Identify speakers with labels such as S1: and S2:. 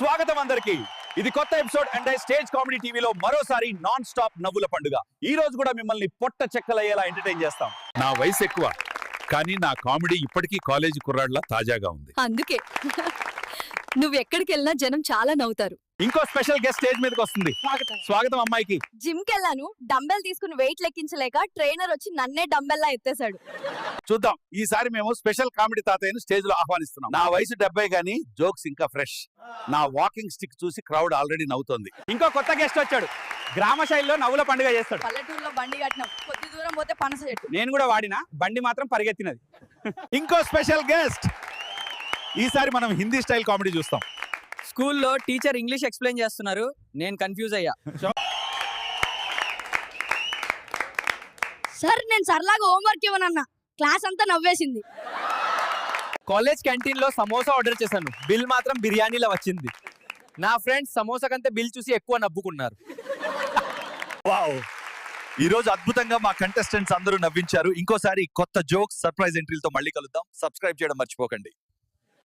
S1: స్వాగతం అందరికి. ఇది కొత్త ఎపిసోడ్ అండ్ స్టేజ్ కామెడీ టీవీలో మరోసారి నాన్ స్టాప్ నవ్వుల పండుగ. ఈ రోజు కూడా మిమ్మల్ని పొట్ట చెక్కలయ్యేలా ఎంటర్టైన్ చేస్తాం. నా వయసు ఎక్కువ కానీ నా కామెడీ ఇప్పటికీ కాలేజీ కుర్రాడ్లా తాజాగా ఉంది.
S2: అందుకే నువ్వు ఎక్కడికి వెళ్ళినా జనం చాలా నవ్వుతారు.
S1: ఇంకో స్పెషల్ గెస్ట్ స్టేజ్ మీదకి వస్తుంది. స్వాగతం అమ్మాయికి.
S2: జిమ్ కెళ్ళాను, డంబెల్ తీసుకుని వెయిట్ లెక్కించలేక ట్రైనర్ వచ్చి నన్నే డంబెల్ లా ఎత్తేసాడు.
S1: చూద్దాం, ఈసారి మేము స్పెషల్ కామెడీ తాతయ్యను స్టేజ్ లో ఆహ్వానిస్తున్నాం. నా వయసు 70 గానీ జోక్స్ ఇంకా ఫ్రెష్. నా వాకింగ్ స్టిక్ చూసి క్రౌడ్ ఆల్రెడీ నవ్వుతోంది. ఇంకో కొత్త గెస్ట్ వచ్చాడు. గ్రామ శైలిలో నవ్వుల పండుగ చేస్తాడు.
S2: పల్లెటూరులో బండి కట్టినాం, కొద్ది దూరం పోతే పనస చెట్టు.
S3: నేను కూడా వాడినా, బండి మాత్రం పరిగెత్తినది.
S1: ఇంకో స్పెషల్ గెస్ట్. ఈసారి మనం హిందీ స్టైల్ కామెడీ చూస్తాం.
S3: స్కూల్లో టీచర్ ఇంగ్లీష్ ఎక్స్ప్లెయిన్ చేస్తున్నారు, నేను కన్ఫ్యూజ్ అయ్యా.
S2: సార్ నేను సరలాగా హోంవర్క్ ఇవ్వనన్నా, క్లాస్ అంతా నవ్వేసింది.
S3: కాలేజ్ క్యాంటీన్ లో సమోసా ఆర్డర్ చేశాను, బిల్ మాత్రం బిర్యానీలో వచ్చింది. నా ఫ్రెండ్స్ సమోసా కంటే బిల్ చూసి ఎక్కువ నవ్వుకున్నారు.
S1: వావ్, ఈ రోజు అద్భుతంగా మా కంటెస్టెంట్స్ అందరూ నవ్వించారు. ఇంకోసారి కొత్త జోక్స్, సర్ప్రైజ్ ఎంట్రీలతో మళ్ళీ కలుద్దాం. సబ్స్క్రైబ్ చేయడం మర్చిపోకండి.